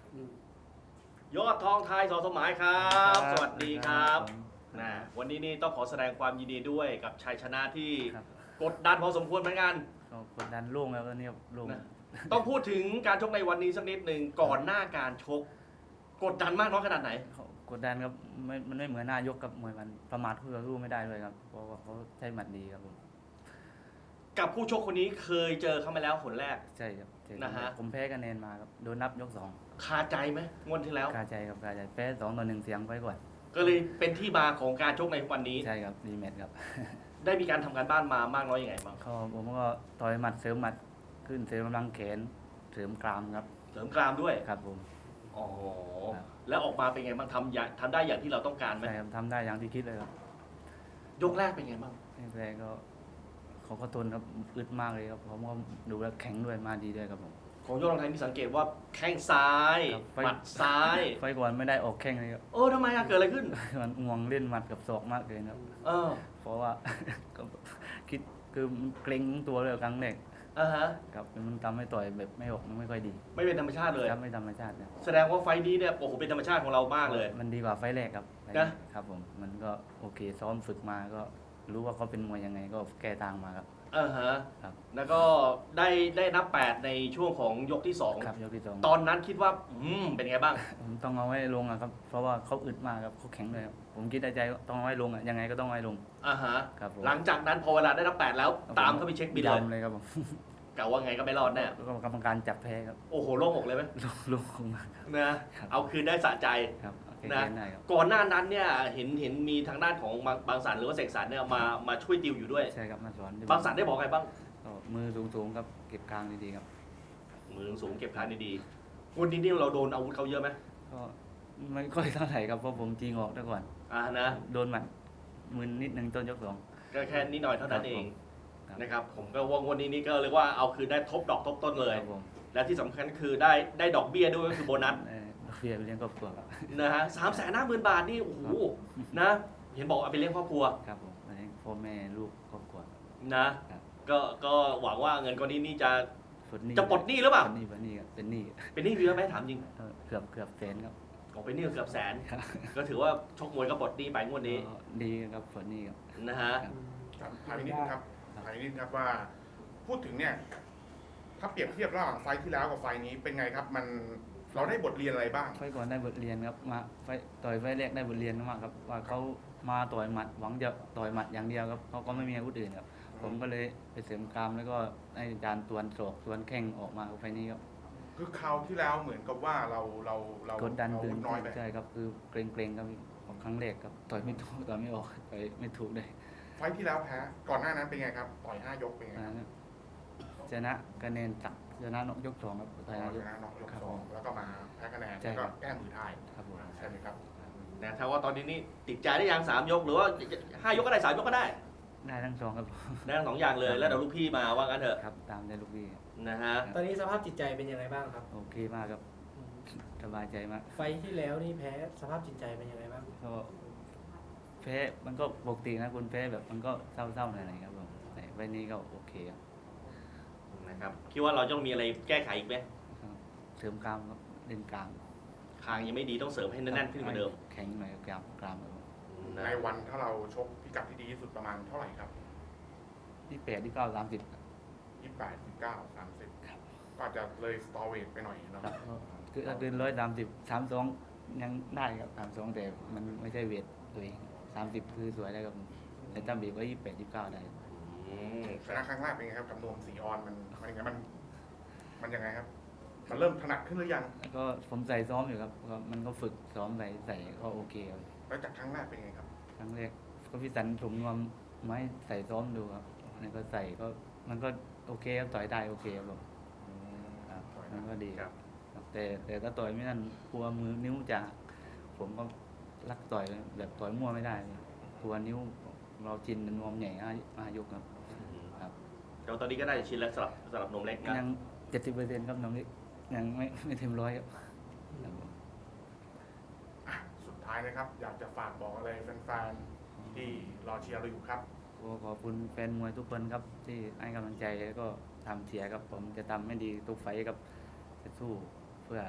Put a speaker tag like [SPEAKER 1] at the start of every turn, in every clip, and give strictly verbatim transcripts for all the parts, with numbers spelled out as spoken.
[SPEAKER 1] ยอดทองไทยสอสมหมายครับ สวัสดีครับนะวันนี้นี่ต้องขอแสดงความยินดีด้วยกับชัยชนะที่
[SPEAKER 2] ครับ
[SPEAKER 1] กดดันพอสมควรเหมือนกัน
[SPEAKER 2] ก็กดดันโล่งแล้วตอนนี้ครับโล่ง
[SPEAKER 1] นะ ต้องพูดถึงการชกในวันนี้สักนิดหนึ่งก่อนหน้าการชก กดดันมากน้อยขนาดไหน
[SPEAKER 2] เขากดดันครับไม่มันไม่เหมือนหน้ายกกับมวยมันประมาทคู่ต่อสู้ไม่ได้เลยครับเพราะว่าเขาใช้หมัดดีครับผม
[SPEAKER 1] กับผู้ชกคนนี้เคยเจอเขามาแล้วคนแรก
[SPEAKER 2] ใช่ครับใช่
[SPEAKER 1] นะฮะ
[SPEAKER 2] ผมแพ้คะแนนมาครับโดนนับยกสอง
[SPEAKER 1] คาใจไหมงวดที่แล้ว
[SPEAKER 2] คาใจครับคาใจแพ้สองต่อหนึ่งเสียงไปก่อน
[SPEAKER 1] ก็เลยเป็นที่มาของการชกในวันนี้
[SPEAKER 2] ใช่ครับรีแมตช์ครับ
[SPEAKER 1] ได้มีการทำการบ้านมามากน้อยยังไงบ้าง
[SPEAKER 2] เขาผมก็ต่อยหมัดเสริมหมัดขึ้นเสริมกำลังแขนเสริมกรามครับ
[SPEAKER 1] เสริมกรามด้วย
[SPEAKER 2] ครับผม
[SPEAKER 1] อ๋อ
[SPEAKER 2] ครับ
[SPEAKER 1] แล้วออกมาเป็นไงบ้างทำอย่างทำได้อย่างที่เราต้องการไหม
[SPEAKER 2] ใช่ครับทำได้อย่างที่คิดเลยครับ
[SPEAKER 1] ยกแรกเป็นไงบ้าง
[SPEAKER 2] แรกๆก็เขาก็ทนครับอึดมากเลยครับผมก็ดูแล้วแข็งด้วยมาดีด้วยครับผม
[SPEAKER 1] ของยอดรองไทยมีสังเกตว่าแข้งซ้าย
[SPEAKER 2] ครับไฟ
[SPEAKER 1] หมัดซ้าย
[SPEAKER 2] ไฟก่อนไม่ได้ออกแข้งเลยครับ
[SPEAKER 1] เออทำไมอะเกิดอะไรขึ้น
[SPEAKER 2] มันง่วงเล่นหมัดกับศอกมากเกินครับ
[SPEAKER 1] เออ
[SPEAKER 2] เพราะว่า ก็คิดคือมันเกรงตัวเลยครั้งแรก
[SPEAKER 1] อ่าฮะ
[SPEAKER 2] ครับมันทำให้ต่อยแบบไม่ออกมันไม่ค่อยดี
[SPEAKER 1] ไม่เป็นธรรมชาติเลย
[SPEAKER 2] ครับไม่ธรรมชาตินะ
[SPEAKER 1] แสดงว่าไฟล์นี้เนี่ยโอ้โหเป็นธรรมชาติของเรามากเลย
[SPEAKER 2] มันดีกว่าไฟแรกครับไฟ
[SPEAKER 1] นะ
[SPEAKER 2] ครับผมมันก็โอเคซ้อมฝึกมาก็รู้ว่าเขาเป็นมวยยังไงก็แก้ทางมาครับ
[SPEAKER 1] เออฮะ
[SPEAKER 2] ครับ
[SPEAKER 1] แล้วก็ได้ได้นับแปดในช่วงของยกที่สอง
[SPEAKER 2] ครับยกที่สอง
[SPEAKER 1] ตอนนั้นคิดว่าอืมเป็นไงบ้าง
[SPEAKER 2] ผมต้องเอาไว้ลงอะครับเพราะว่าเขาอึดมากครับเขาแข็งเลยครับผมคิดในใจว่าต้องเอาไว้ลงอะยังไงก็ต้องเอาไว้ลง
[SPEAKER 1] อ่าฮะ
[SPEAKER 2] ครับผม
[SPEAKER 1] หลังจากนั้นพอเวลาได้นับแปดแล้วตามเข้าไปเช็คบินเลย
[SPEAKER 2] ดำเลยครับผม
[SPEAKER 1] กะว่าไงก็ไม่รอดแน่
[SPEAKER 2] แล้วก็กรรมการจับแพ้ครับ
[SPEAKER 1] โอ้โหโล่งอกเลยไหม
[SPEAKER 2] ลงลงลงมาครับ
[SPEAKER 1] นะครับ เอาคืนได้สะใจ
[SPEAKER 2] ครับโอเค
[SPEAKER 1] นะ
[SPEAKER 2] ได้ครับ
[SPEAKER 1] ก่อนหน้านั้นเนี่ยเห็นเห็นมีทางด้านของบางบางสันหรือว่าเสกสรรเนี่ยมามาช่วยติวอยู่ด้วย
[SPEAKER 2] ใช่ครับมาสอน
[SPEAKER 1] บางสันได้บอกไงบ้าง
[SPEAKER 2] ก็มือสูงๆครับเก็บกลางดีๆครับ
[SPEAKER 1] มือสูงเก็บขาดีๆวันนี้นี่เราโดนอาวุธเขาเยอะไหม
[SPEAKER 2] ก็ไม่ค่อยเท่าไหร่ครับเพราะผมจริงออกได้ก่อน
[SPEAKER 1] อ่านะ
[SPEAKER 2] โดนหมัดมือนิดนึงต้นยกสอง
[SPEAKER 1] ก็แค่นิดหน่อยเท่านั้นเอง
[SPEAKER 2] ครับ
[SPEAKER 1] นะครับผมก็ว่างวันนี้นี่ก็เรียกว่าเอาคืนได้ทบดอกทบต้นเลย
[SPEAKER 2] ครับผม
[SPEAKER 1] และที่สำคัญคือได้ได้ดอกเบี้ยด้วยก็คือโบนัส
[SPEAKER 2] เอ่อดอกเบี้ยไปเลี้ยงครอบครัวครับ
[SPEAKER 1] นะฮะสามแสนห้าหมื่นบาทนี่โอ้โหนะ เห็นบอกเอาไปเลี้ยงครอบครัว
[SPEAKER 2] ครับผมไปเลี้ยงพ่อแม่ลูกครอบครัว
[SPEAKER 1] นะครับ ก็ก็หวังว่าเงินก้อนนี้นี่จะ
[SPEAKER 2] ปลดหนี้
[SPEAKER 1] จะปลดหนี้หรือเปล่า
[SPEAKER 2] ปลดหนี้ปลดหนี้ครับเป็นหนี้
[SPEAKER 1] เป็นหนี้เยอะไหมถามจริง
[SPEAKER 2] เออเกือบเกือบแสนครับ
[SPEAKER 1] ออกเป็นหนี้เกือบแสน
[SPEAKER 2] ครับ
[SPEAKER 1] ก็ถือว่าชกมวยก็ปลดหนี้ไปงวดนี้
[SPEAKER 2] ก็ดีครับปลดหนี้ครับ
[SPEAKER 1] นะฮะ
[SPEAKER 2] ครับ
[SPEAKER 3] ครับถามอีกนิดนึงครับถามอีกนิดนึงครับว่า พูดถึงเนี่ย ถ้าเปรียบเทียบระหว่างไฟล์ที่แล้วกับไฟล์นี้เป็นไงครับ มันเราได้บทเรียนอะไรบ้าง
[SPEAKER 2] ไฟล์ก่อนได้บทเรียนครับมาไฟล์ต่อยไฟล์แรกได้บทเรียนมากครับว่าเขามาต่อยหมัดหวังจะต่อยหมัดอย่างเดียวครับเขาก็ไม่มีอาวุธอื่นครับผมก็เลยไปเสริมกรามแล้วก็ให้อาจารย์ตวนศอกตวนแข้งออกมาไฟล์นี้ครับ
[SPEAKER 3] คือคราวที่แล้วเหมือนกับว่าเราเราเรา
[SPEAKER 2] กดดัน
[SPEAKER 3] เรา
[SPEAKER 2] ตื่น
[SPEAKER 3] น้อยไป
[SPEAKER 2] ใช่ครับคือเกรงๆครับของครั้งแรกครับต่อยไม่ถูกต่อยไม่ออกต่อยไม่ถูกเลย
[SPEAKER 3] ไฟล์ที่แล้วแพ้ ก่อนหน้านั้นเป็นไงครับ ต่อยห้ายกเป็นไง
[SPEAKER 2] อัน
[SPEAKER 3] ครับ
[SPEAKER 2] นั้นชนะคะแนนตักชนะนกยกสองครับต่อย
[SPEAKER 3] ช
[SPEAKER 2] นายก
[SPEAKER 3] นะน็อกยก
[SPEAKER 2] ครับ
[SPEAKER 3] สองแล้วก็มาแพ้คะแนน
[SPEAKER 2] ใช่
[SPEAKER 3] แล้ว
[SPEAKER 2] ครั
[SPEAKER 3] ก็
[SPEAKER 2] บ
[SPEAKER 3] แก้มือท้าย
[SPEAKER 2] ครับผม
[SPEAKER 3] ใช่ไหมครับ
[SPEAKER 1] นะถ้าว่าตอนนี้นี่ติดใจได้ยังสามยกหรือว่าห้ายกก็ได้สามยกก็ได้
[SPEAKER 2] ได้ทั้งสองครับ
[SPEAKER 1] ได้ทั้งสองอย่างเลยแล้วเดี๋ยวลูกพี่มาว่ากันเถอะ
[SPEAKER 2] ครับตามได้ลูกพี่
[SPEAKER 1] นะฮะ
[SPEAKER 4] ตอนนี้สภาพจิตใจเป็นยังไงบ้างครับ
[SPEAKER 2] โอเคมากครับสบายใจมาก
[SPEAKER 4] ไฟท์ที่แล้วนี่แพ้สภาพจิตใจเป็นยังไงบ้าง
[SPEAKER 2] ก็แพ้มันก็ปกตินะคุณแพ้แบบมันก็เศร้าๆหน่อยๆครับผมแต่ไฟล์นี้ก็โอเคครับ
[SPEAKER 1] นะครับคิดว่าเราต้องมีอะไรแก้ไขอีกไหม
[SPEAKER 2] เสริมกรามครับเล่นกลาง
[SPEAKER 1] คางยังไม่ดีต้องเสริมให้แน่นๆขึ้นกว่าเดิม
[SPEAKER 2] แข็งหน่อยกรามกรามครับผม
[SPEAKER 1] นะ
[SPEAKER 3] ในวันถ้าเราชกพิกัดที่ดีที่สุดประมาณเท่าไหร่ครับ
[SPEAKER 2] ที่แปดที่เก้าสามสิบ
[SPEAKER 3] ยี่สิบแปด ยี่สิบเก้า สามสิบ
[SPEAKER 2] ครับ
[SPEAKER 3] ก็อาจจะเลยสตอเวทไปหน่อยเนาะ
[SPEAKER 2] ครับก็คือถ้าเกินร้อยสามสิบสามสองยังได้ครับสามสองแต่มันไม่ใช่เวทตัวเองสามสิบคือสวยได้ครับผมแต่ถ้าบีบก็ยี่สิบแปดยี่สิบเก้าได้
[SPEAKER 1] อืม
[SPEAKER 3] ชนะครั้งแรกเป็นไงครับกับนวมสีออนมันมันยังไงมัน มันยังไงครับ มันเริ่มถนัดขึ้นหรือยัง
[SPEAKER 2] แล้วก็ผมใส่ซ้อมอยู่ครับก็มันก็ฝึกซ้อมใส่ใส่ก็โอเคครับ
[SPEAKER 3] แล้วจากครั้งแรกเป็นไงครับ
[SPEAKER 2] ครั้งแรกก็พี่สันถุงนวมไม้ใส่ซ้อมดูครับนี่ก็ใส่ก็มันก็โอเคครับต่อยได้โอเคครับผมครับมันก็ดีครับครับแต่แต่ถ้าต่อยไม่นั่นกลัวมือนิ้วจะหักผมก็รักต่อยแบบต่อยมั่วไม่ได้เลยกลัวนิ้วเราจินเป็นนวมใหญ่ห้าห้ายกครับครับ
[SPEAKER 1] เดี๋ยวตอนนี้ก็ได้ชิ้นแล้วสำหรับสำหรับนมเล็กนะ
[SPEAKER 2] ยังเจ็ดสิบเปอร์เซ็นต์ครับน้องนี่ยังไม่ไม่เต็มร้อยครับครับผม
[SPEAKER 3] อ่ะ สุดท้ายนะครับ อยากจะฝากบอกอะไรแฟนๆที่รอเชียร์เราอยู่ครับ
[SPEAKER 2] ก็ขอบคุณแฟนมวยทุกคนครับที่ให้กำลังใจแล้วก็ทำเชียร์ครับผมจะทำให้ดีทุกไฟต์ครับจะสู้เพื่อ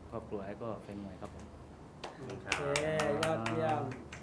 [SPEAKER 2] ครอบครัวแล้วก็แฟนมวยครับผม
[SPEAKER 1] ค
[SPEAKER 4] โอ
[SPEAKER 1] รับ
[SPEAKER 4] เค